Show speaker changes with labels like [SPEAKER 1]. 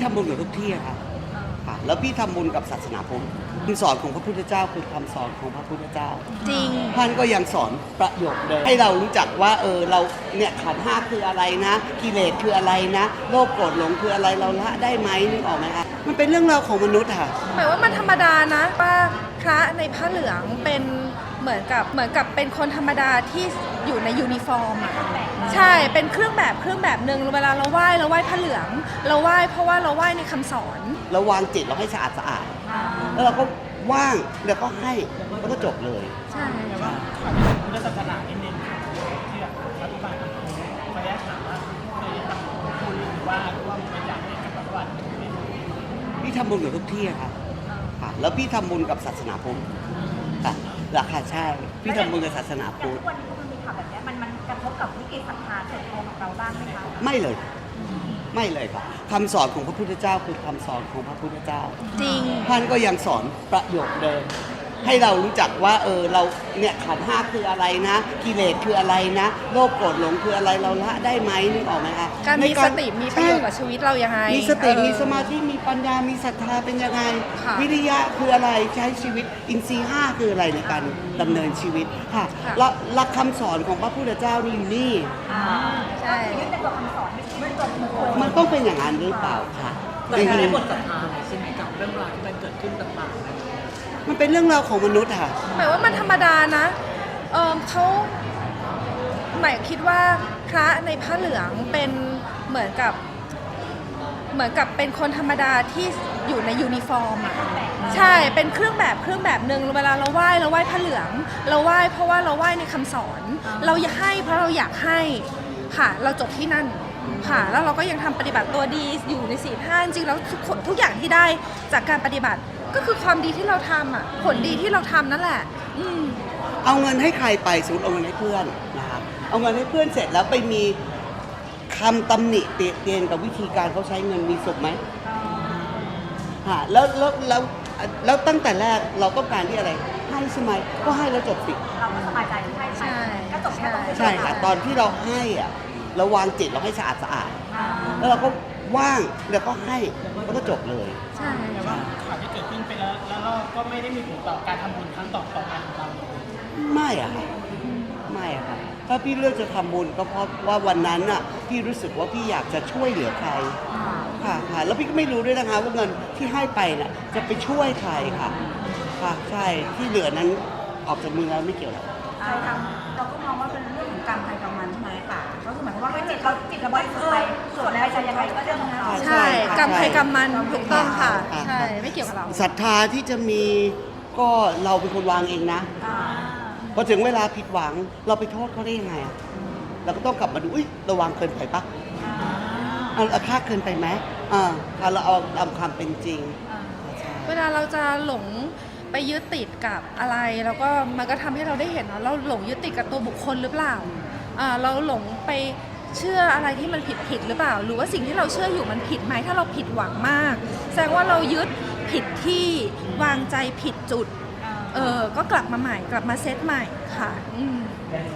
[SPEAKER 1] ทำบุญกับทุกที่ครับค่ะแล้วพี่ทำบุญกับศาสนาพุทธคำสอนของพระพุทธเจ้าคือคำสอนของพระพุทธเจ้า
[SPEAKER 2] จริง
[SPEAKER 1] ท่านก็ยังสอนประโยชน์เลยให้เรารู้จักว่าเราเนี่ยขันธ์ห้าคืออะไรนะกิเลสคืออะไรนะโลภโกรธหลงคืออะไรเราละได้ไหมนึกออกไหมคะมันเป็นเรื่องราวของมนุษย์ค่ะ
[SPEAKER 2] หมายว่ามันธรรมดานะว่าพระในผ้าเหลืองเป็นเหมือนกับเป็นคนธรรมดาที่อยู่ในยูนิฟอร์มอ่ะใช่เป็นเครื่องแบบหนึ่งเวลาเราไหว้ผ้าเหลืองเราไหว้เพราะว่าเราไหว้ในคำสอน
[SPEAKER 1] เราวางจิตเราให้สะอาดแล้วเราก็ว่างแล้วก็ให้แล้วก็จบเลย
[SPEAKER 2] ใช่
[SPEAKER 3] แต่ว่าขอพุทธศาสนานิดนึงค่ะที่แบบรัฐบาลขออนุญาตถามว่าเคยทำบุญหรือว่าร่วมบริจาคให้กับรัฐบาล
[SPEAKER 1] พี่ทำบุญกับทุกที่ค่ะแล้วพี่ทำบุญกับศาสนาพุทธค่ะราคาใช่พี่ทำบุญกับศาสนาพุทธ
[SPEAKER 4] ทุกวันนี้มันมีข่าวแบบนี้มันกระทบกับวิกฤตศรัทธาส่วนตัวของเราบ้างไหมคะ
[SPEAKER 1] ไม่เลยครับคำสอนของพระพุทธเจ้าคือคำสอนของพระพุทธเจ้า
[SPEAKER 2] จริง
[SPEAKER 1] ท่านก็ยังสอนประโยชน์เดิมให้เรารู้จักว่าเราเนี่ยขันธ์ห้าคืออะไรนะกิเลสคืออะไรนะโลภโกรธหลงคืออะไรเราละได้ไหมนึกออกไหมคะ
[SPEAKER 2] การมีสติมีประโยชน์กับชีวิตเรายังไง
[SPEAKER 1] มีสติมีสมาธิมีปัญญามีศรัทธาเป็นยังไงวิริยะคืออะไรใช้ชีวิตอินทรีย์ห้าคืออะไรในการดำเนินชีวิตค่ะหลักคำสอนของพระพุทธเจ้านี่
[SPEAKER 2] ใช่
[SPEAKER 4] ยึดในตัวคำสอนไม่ใช่ตัวบุคคล
[SPEAKER 1] มันต้องเป็นอย่างนั้นหรือเปล่าค่ะ
[SPEAKER 3] แต่ไม่ได้หมดศรัทธาใช่ไหมกับเรื่องราวที่มันเกิดขึ้นต่างๆ
[SPEAKER 1] มันเป็นเรื่องราวของมนุษย์ค่ะ
[SPEAKER 2] หมายว่ามันธรรมดานะเขาหมายคิดว่าพระในผ้าเหลืองเป็นเหมือนกับเป็นคนธรรมดาที่อยู่ในยูนิฟอร์มอ่ะใช่เป็นเครื่องแบบหนึ่งเวลาเราไหว้ผ้าเหลืองเราไหว้เพราะว่าเราไหว้ในคำสอนเราอยากให้เพราะเราอยากให้ค่ะเราจบที่นั่นค่ะแล้วเราก็ยังทำปฏิบัติตัวดีอยู่ในศีลห้าจริงๆแล้วทุกอย่างที่ได้จากการปฏิบัติก็คือความดีที่เราทำอ่ะผลดีที่เราทำนั่นแหละ
[SPEAKER 1] เอาเงินให้ใครไปสมมติเอาเงินให้เพื่อนนะคะเอาเงินให้เพื่อนเสร็จแล้วไปมีคำตำหนิเตียนกับวิธีการเขาใช้เงินมีสุขไหมแล้วตั้งแต่แรกเราต้องการที่อะไรให้ใช่ไหมก็ให้แล้วจบสิ
[SPEAKER 4] เราก็สบายใจที่ให้ไปก็จบแค่ตรงนี้
[SPEAKER 1] ใช่ค่ะตอนที่เราให้เราวางจิตเราให้สะอาดแล้วเราก็ว่างแล้วก็ให้แล้วก็จบเลย
[SPEAKER 2] ใช่
[SPEAKER 3] แต่ว่าข่าวที่เกิดขึ้นไปแล้วเราก็ไม่ได้มีผลต่อการทำบุญครั้งต่อไปของเรา
[SPEAKER 1] ไม่อะค่ะถ้าพี่เลือกจะทำบุญก็เพราะว่าวันนั้นน่ะพี่รู้สึกว่าพี่อยากจะช่วยเหลือใครค่ะแล้วพี่ก็ไม่รู้ด้วยนะคะว่าเงินที่ให้ไปน่ะจะไปช่วยใครค่ะใช่ที่เหลือนั้นออกจากมือแล้วไม่เกี่ยวหรอก
[SPEAKER 4] ใครทำเราก็มองว่าเป็นเรื่องของกรรมใครกรรมมันใช่ไหมค่ะก็คือหมายความว่าจิตเราบริสุทธิ์ไปส่วนอะไรจะยังไงก็เรื่องของเรา
[SPEAKER 2] ใช่กรรมใครกรรมมันถูกต้องค่ะใช่ไม่เกี่ยวกับเรา
[SPEAKER 1] ศรัทธาที่จะมีก็เราเป็นคนวางเองนะพอถึงเวลาผิดหวังเราไปโทษเขาได้ยังไงเราก็ต้องกลับมาดูเราวางเกินไปปะเราค่าเกินไปไหมเราเอาตามความเป็นจริง
[SPEAKER 2] เวลาเราจะหลงไปยึดติดกับอะไรแล้วก็มันก็ทำให้เราได้เห็นว่าเราหลงยึดติดกับตัวบุคคลหรือเปล่าเราหลงไปเชื่ออะไรที่มันผิดหรือเปล่าหรือว่าสิ่งที่เราเชื่ออยู่มันผิดไหมถ้าเราผิดหวังมากแสดงว่าเรายึดผิดที่วางใจผิดจุดก็กลับมาใหม่กลับมาเซตใหม่ค่ะ